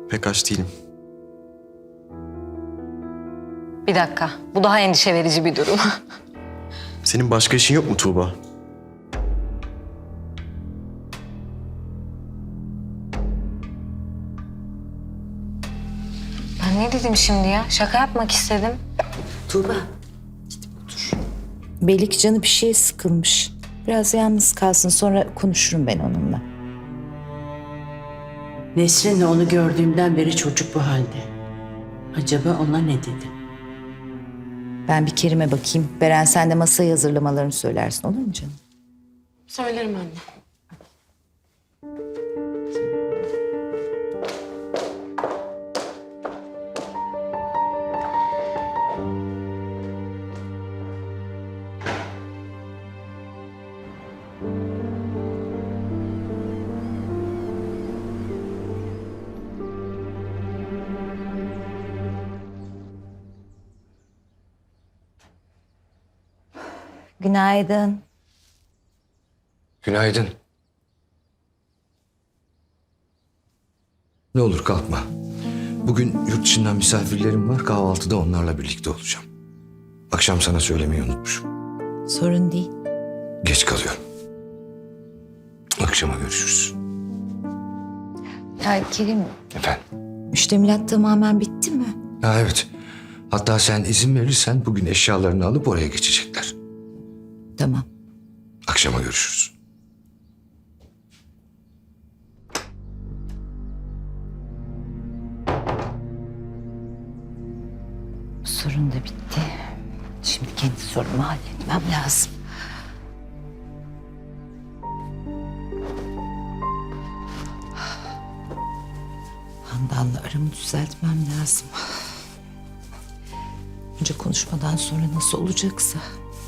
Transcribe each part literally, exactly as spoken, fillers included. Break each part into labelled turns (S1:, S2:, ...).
S1: Pek aç değilim.
S2: Bir dakika. Bu daha endişe verici bir durum.
S1: Senin başka işin yok mu Tuğba?
S2: Ben ne dedim şimdi ya? Şaka yapmak istedim.
S3: Tuğba, gidip otur. Belli ki canı bir şeye sıkılmış. Biraz yalnız kalsın, sonra konuşurum ben onunla.
S4: Nesrin'le onu gördüğümden beri çocuk bu halde. Acaba ona ne dedi?
S3: Ben bir Kerim'e bakayım. Beren, sen de masayı hazırlamalarını söylersin, olur mu canım?
S5: Söylerim anne.
S3: Günaydın.
S6: Günaydın. Ne olur kalkma. Bugün yurt dışından misafirlerim var. Kahvaltıda onlarla birlikte olacağım. Akşam sana söylemeyi unutmuşum.
S3: Sorun değil.
S6: Geç kalıyorum. Akşama görüşürüz.
S3: Ya Kerim,
S6: Efendim?
S3: müştemilat tamamen bitti mi?
S6: Ha evet. Hatta sen izin verirsen bugün eşyalarını alıp oraya geçecekler.
S3: Tamam.
S6: Akşama görüşürüz.
S3: Bu sorun da bitti. Şimdi kendi sorumu halletmem lazım. Handan'la aramı düzeltmem lazım. Önce konuşmadan sonra nasıl olacaksa.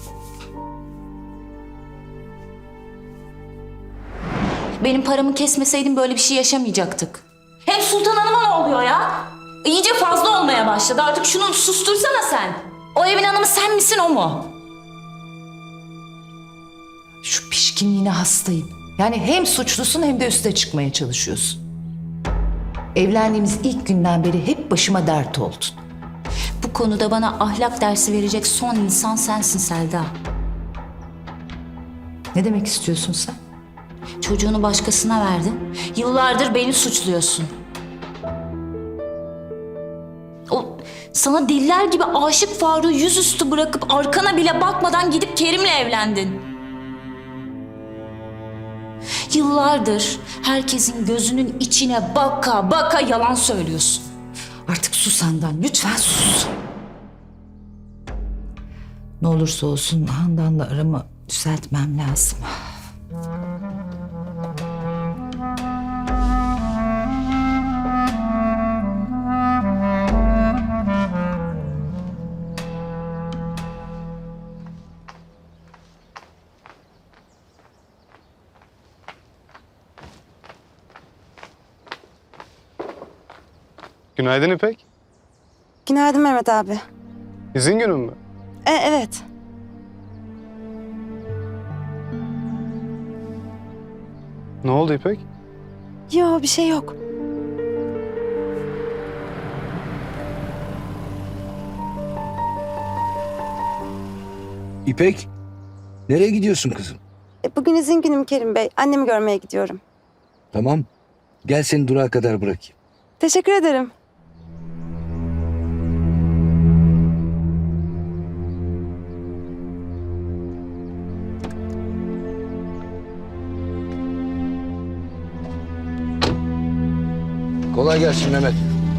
S7: Benim paramı kesmeseydin böyle bir şey yaşamayacaktık. Hem Sultan Hanım'a ne oluyor ya? İyice fazla olmaya başladı. Artık şunu sustursana sen. O evin hanımı sen misin, o mu?
S3: Şu pişkinliğine hastayım. Yani hem suçlusun hem de üste çıkmaya çalışıyorsun. Evlendiğimiz ilk günden beri hep başıma dert oldun.
S7: Bu konuda bana ahlak dersi verecek son insan sensin Selda.
S3: Ne demek istiyorsun sen?
S7: Çocuğunu başkasına verdin. Yıllardır beni suçluyorsun. O sana diller gibi aşık Faruk'u yüzüstü bırakıp arkana bile bakmadan gidip Kerim'le evlendin. Yıllardır herkesin gözünün içine baka baka yalan söylüyorsun.
S3: Artık sus Handan, lütfen sus. Ne olursa olsun Handan'la aramı düzeltmem lazım.
S8: Günaydın İpek.
S5: Günaydın Mehmet abi.
S8: İzin günün mü?
S5: E, evet.
S8: Ne oldu İpek?
S5: Yo, bir şey yok.
S9: İpek, nereye gidiyorsun kızım?
S5: E, bugün izin günüm Kerim Bey. Annemi görmeye gidiyorum.
S9: Tamam, gel seni durağa kadar bırakayım.
S5: Teşekkür ederim.
S9: Kolay gelsin Mehmet.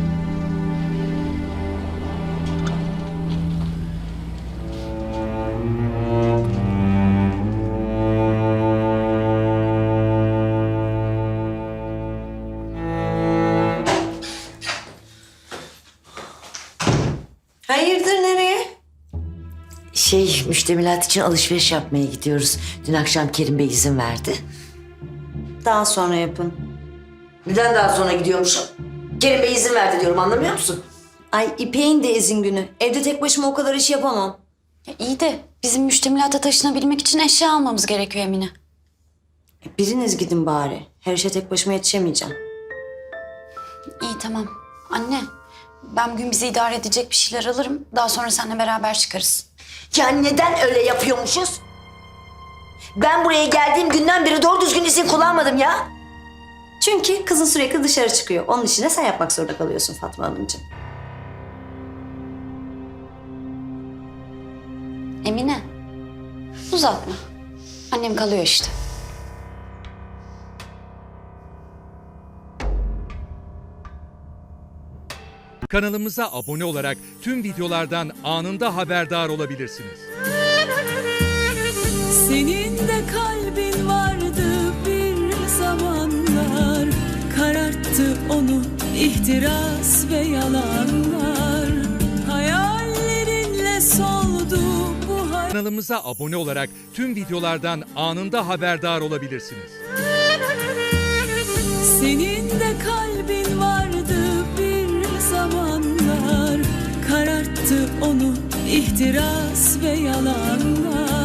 S4: Hayırdır, nereye? Şey, müştemilat için alışveriş yapmaya gidiyoruz. Dün akşam Kerim Bey izin verdi.
S5: Daha sonra yapın.
S4: Neden daha sonra gidiyormuşum? Kerim Bey izin verdi diyorum, anlamıyor musun?
S5: Ay İpek'in de izin günü. Evde tek başıma o kadar iş yapamam.
S7: Ya iyi de bizim müştemilata taşınabilmek için eşya almamız gerekiyor Emine.
S5: Biriniz gidin bari. Her işe tek başıma yetişemeyeceğim.
S10: İyi tamam. Anne, ben bugün bizi idare edecek bir şeyler alırım. Daha sonra seninle beraber çıkarız.
S5: Ya neden öyle yapıyormuşuz? Ben buraya geldiğim günden beri doğru düzgün izin kullanmadım ya. Çünkü kızın sürekli dışarı çıkıyor. Onun için de sen yapmak zorunda kalıyorsun Fatma Hanımcığım.
S10: Emine, uzatma. Annem kalıyor işte.
S11: Kanalımıza abone olarak tüm videolardan anında haberdar olabilirsiniz.
S12: Senin de kalbin vardı bir zamanlar, kararttı onu ihtiras ve yalanlar. Hayallerinle soldu bu hayat.
S11: Kanalımıza abone olarak tüm videolardan anında haberdar olabilirsiniz.
S12: Senin de kalbin vardı bir zamanlar, kararttı onu ihtiras ve yalanlar.